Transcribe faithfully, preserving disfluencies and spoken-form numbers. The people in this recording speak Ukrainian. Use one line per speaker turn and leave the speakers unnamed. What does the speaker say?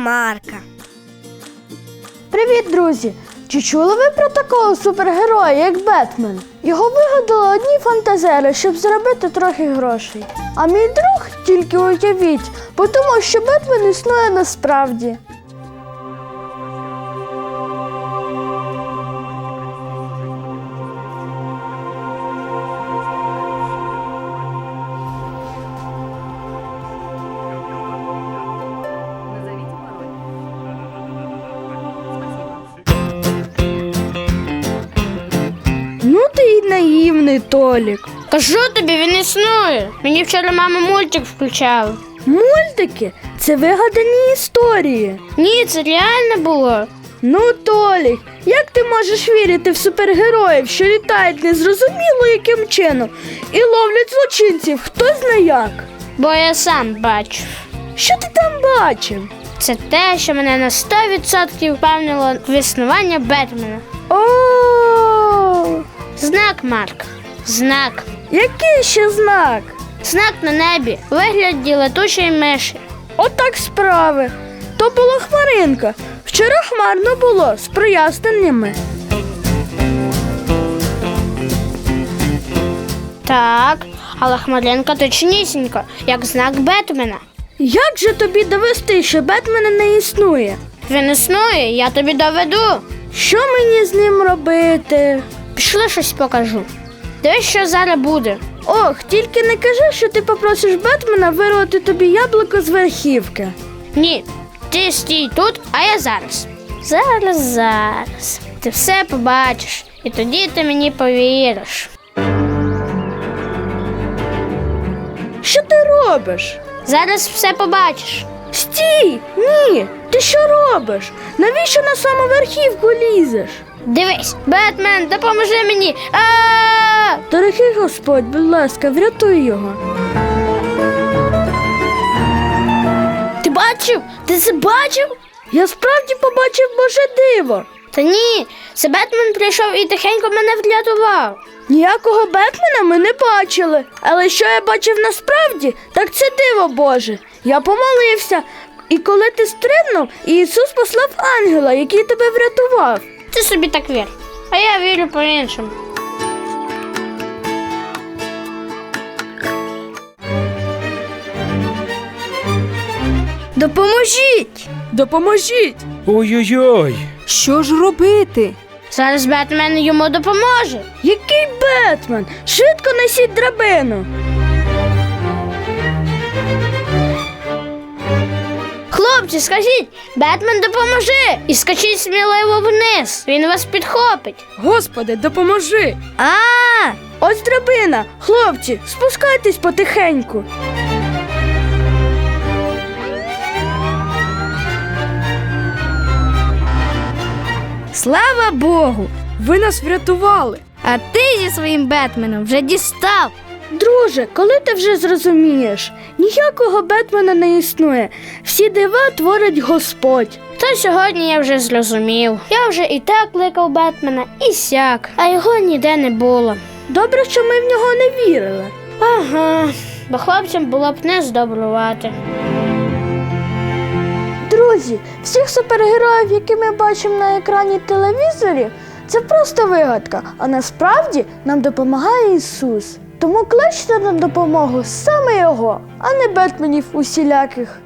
Марка.
Привіт, друзі! Чи чули ви про такого супергероя, як Бетмен? Його вигадали одні фантазери, щоб заробити трохи грошей. А мій друг, тільки уявіть, подумав, що Бетмен існує насправді. Ну ти й наївний, Толік.
Кажу тобі, він існує. Мені вчора мама мультик включала.
Мультики – це вигадані історії.
Ні, це реально було.
Ну, Толік, як ти можеш вірити в супергероїв, що літають незрозуміло яким чином і ловлять злочинців хто зна як?
Бо я сам бачив.
Що ти там бачив?
Це те, що мене на сто відсотків впевнило в існування Бетмена.
О,
Знак, Марк. Знак.
який ще знак?
Знак на небі у вигляді летучої миші.
Отак справи. То була хмаринка. Вчора хмарно було, з проясненнями.
Так, але хмаринка точнісінько, як знак Бетмена.
Як же тобі довести, що Бетмена не існує?
Він існує, я тобі доведу.
Що мені з ним робити?
Пішли, щось покажу. Дивись, що зараз буде.
Ох, тільки не кажи, що ти попросиш Бетмена вирвати тобі яблуко з верхівки.
Ні, ти стій тут, а я зараз. Зараз, зараз. Ти все побачиш, і тоді ти мені повіриш.
Що ти робиш?
Зараз все побачиш.
Стій! Ні! Ти що робиш? Навіщо на саму верхівку лізеш?
Дивись, Бетмен, допоможи мені. А!
Дорогий Господь, будь ласка, врятуй його.
Ти бачив? Ти це бачив?
Я справді побачив Боже диво.
Та ні, це Бетмен прийшов і тихенько мене врятував.
Ніякого Бетмена ми не бачили. Але що я бачив насправді, так це диво Боже. Я помолився, і коли ти стрибнув, Ісус послав ангела, який тебе врятував.
Ти собі так вір, а я вірю по-іншому.
Допоможіть! Допоможіть!
Ой-ой-ой!
Що ж робити?
Зараз Бетмен йому допоможе.
Який Бетмен? Швидко несіть драбину.
Хлопці, скажіть, Бетмен допоможи! І скачіть сміливо вниз, він вас підхопить.
Господи, допоможи! А, ось драбина. Хлопці, спускайтесь потихеньку. Слава Богу! Ви нас врятували.
А ти зі своїм Бетменом вже дістав.
Друже, коли ти вже зрозумієш? Ніякого Бетмена не існує. Всі дива творить Господь.
То сьогодні я вже зрозумів. Я вже і так кликав Бетмена, і сяк, а його ніде не було.
Добре, що ми в нього не вірили.
Ага, бо хлопцям було б не здобрувати.
Друзі, всіх супергероїв, які ми бачимо на екрані телевізорів, це просто вигадка, а насправді нам допомагає Ісус. Тому кличте на допомогу саме Його, а не Бетменів усіляких.